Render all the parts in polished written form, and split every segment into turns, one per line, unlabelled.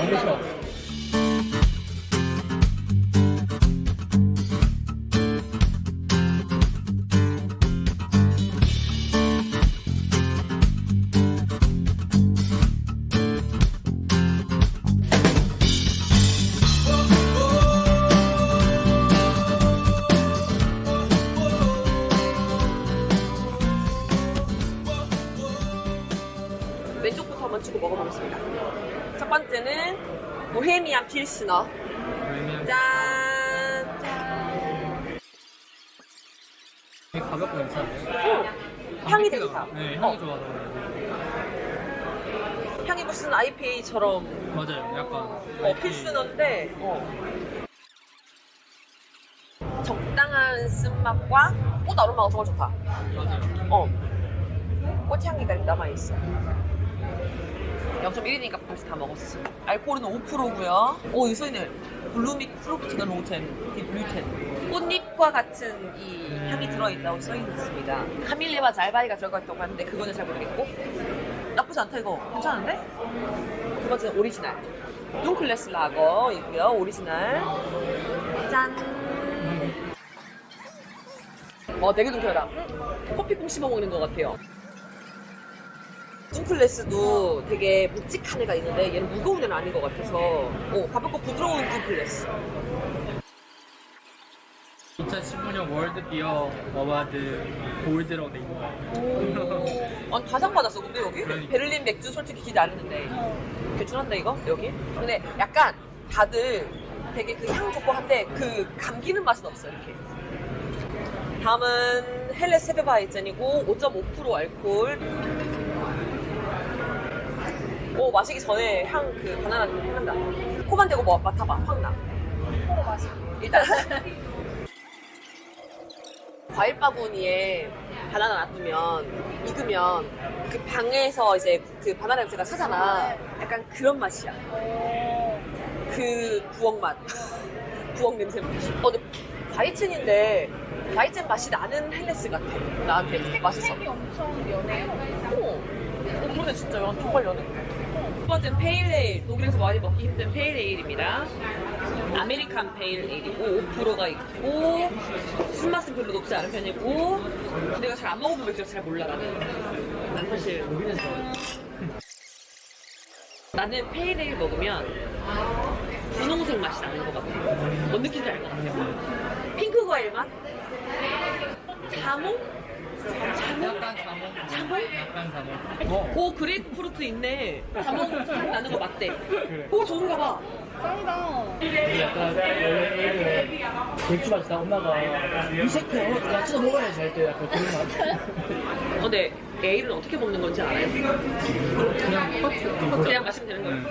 왼쪽부터 한번 치고 먹어보겠습니다. 첫 번째는 보헤미안 필스너. 짠!
되게 가볍고 괜찮아요.
향이 되게 다.
네, 향이 좋아서.
향이 무슨 IPA처럼
맞아요. 약간
필스너인데 적당한 쓴맛과 꽃 아로마가 정말 좋다.
맞아요.
꽃향기가 남아있어. 0.1이니까 벌써 다 먹었어. 알코올은 5%고요. 이 써있네. 블루믹 프루트가 로텐, 디블루텐. 꽃잎과 같은 이 향이 들어있다고 써있습니다. 카밀레와 잘바이가 들어가 있다고 하는데 그거는 잘 모르겠고. 나쁘지 않다 이거. 괜찮은데? 두 번째는 오리지널. 둥클래스 라거이고요. 오리지널. 짠. 되게 둥클하다. 커피콩 씹어 먹는 것 같아요. 둥클래스도 되게 묵직한 애가 있는데 얘는 무거운 애는 아닌 것 같아서 가볍고 부드러운 둥클래스.
2015년 월드 비어 어와드 골드로 돼 있는 거예요.
아니 다상 받았어 근데 여기?
그러니까.
베를린 맥주 솔직히 기대 안 했는데 괜찮은데 이거? 여기? 근데 약간 다들 되게 그 향 좋고 한데 그 감기는 맛은 없어 이렇게. 다음은 헬레스 헤베바이젠이고 5.5% 알코올. 마시기 전에 그 바나나 향난다. 코만 대고 맡아봐. 확 나. 일단 과일 바구니에 바나나 놔두면 익으면 그 방에서 이제 그 바나나 냄새가 차잖아. 약간 그런 맛이야. 그 부엌 맛. 부엌 냄새. 근데 바이첸인데 바이첸 맛이 나는 헬레스 같아. 나한테 맛있어.
색이 엄청 연해요.
그러네 진짜 정말 연해. 첫 번째는 페일에일. 독일에서 많이 먹기 힘든 페일에일입니다. 아메리칸 페일에일이고 5%가 있고 술맛은 별로 높지 않은 편이고 내가 잘 안 먹어본 맥주를 잘 몰라 나는. 난 사실 나는 페일에일 먹으면 분홍색 맛이 나는 것 같아. 뭔 느낌인지 알 것 같아. 핑크 과일 맛? 자몽?
약간 자몽? 약간 자몽.
그레이프 프루트 있네. 자몽 향 나는 거 맞대.
그래.
좋은가 봐.
짱이다.
약간 원래 맥주 마시다 엄마가 이 새끼야 야 진짜 먹어야지 할 때 약간 그런 거
근데 에일은 어떻게 먹는 건지 알아요?
그냥 똑같이.
그냥 마시면 되는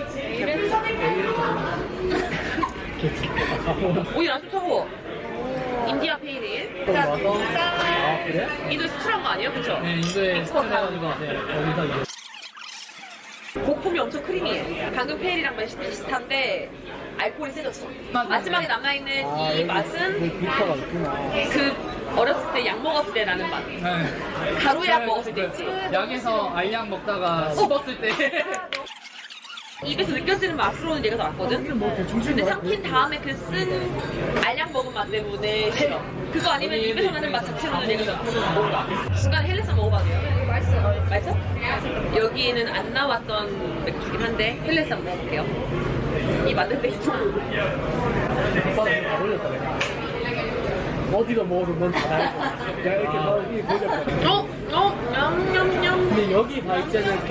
거예요. 오일 안 좋다고. 인디아 페이레일.
아 그래?
인도에 수출한 거 아니에요? 그쵸?
네, 인도에 스타일해가지고
거기서 이제
거품이 엄청 크리미해. 방금 페일이랑 비슷한데 알코올이 세졌어. 마지막에 남아있는 이 맛은
비타가 있구나.
그 어렸을 때 약 먹었을 때 나는 맛.
네.
가루약 먹었을 때 있지.
약에서 알약 먹다가 씹었을 때.
입에서 느껴지는 맛으로는 얘가 더 낫거든? 근데 삼킨 다음에 그 쓴 알약 먹은 맛 때문에 싫어. 그거 아니면 입에서 나는 맛 자체로는 얘가 더 낫거든. 중간에 헬레스 먹어봐도 돼요?
맛있어요.
맛있어? 여기는 안 나왔던 맥주긴 한데 헬레스 한번 먹어볼게요. 이 만들 때
오빠는 다 올렸다 내가 어디가 먹어도 넌 다 알고 내가 이렇게 너 위에 보였거든.
냠냠냠.
근데 여기 바이제는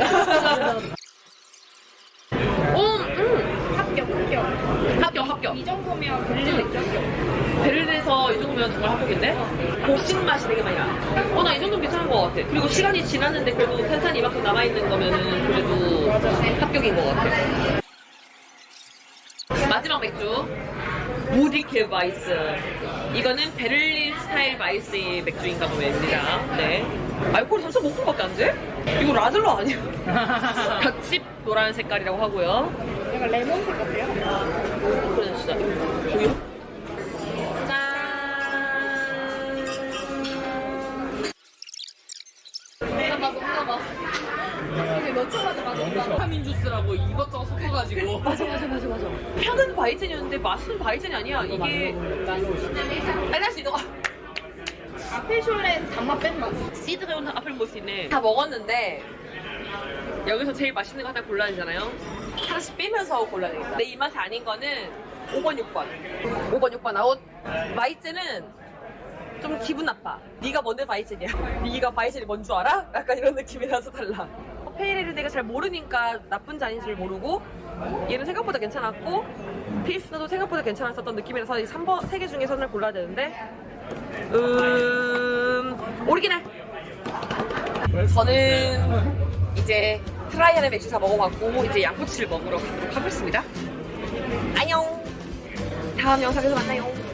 합격.
이 정도면 베를린 맥주 합격.
베를린에서 이 정도면 정말 합격인데? 고식 맛이 되게 많이 나. 나 이 정도면 괜찮은 것 같아. 그리고 시간이 지났는데 그래도 탄산이 이만큼 남아있는 거면은 그래도 합격인 것 같아. 마지막 맥주. 무디케 바이스. 이거는 베를린 스타일 바이스의 맥주인가 보입니다. 네. 알코올이 3.5%밖에 안 돼? 이거 라들러 아니야? 벽집 노란 색깔이라고 하고요.
약간 레몬색 같아요.
그래 진짜 우유. 짠.
먹어봐. 이게 몇 초 가져가?
너무 싫어.
비타민 주스라고 이것저것 섞어가지고.
맞아. 향은 바이젠이었는데 맛은 바이젠이 아니야. 이게 딸날 수 있는 거.
아페쇼레 단맛 뺀다.
시드레온 아플모스네. 다 먹었는데 여기서 제일 맛있는 거 하나 골라야 되잖아요. 하나씩 빼면서 골라야 되겠다. 내 입맛이 아닌 거는 5번, 6번. 5번, 6번 아웃. 바이젠은 좀 기분 나빠. 네가 뭔데 바이젠이야? 네가 바이젠이 뭔 줄 알아? 약간 이런 느낌이라서 달라. 페이레를 내가 잘 모르니까 나쁜지 아닌지를 모르고 얘는 생각보다 괜찮았고 필스도 생각보다 괜찮았었던 느낌이라서 이 3번 3개 중에서 하나를 골라야 되는데 오리지널. 저는 이제 트라이안의 맥주 다 먹어봤고 이제 양꼬치를 먹으러 가도록 하겠습니다. 안녕. 다음 영상에서 만나요.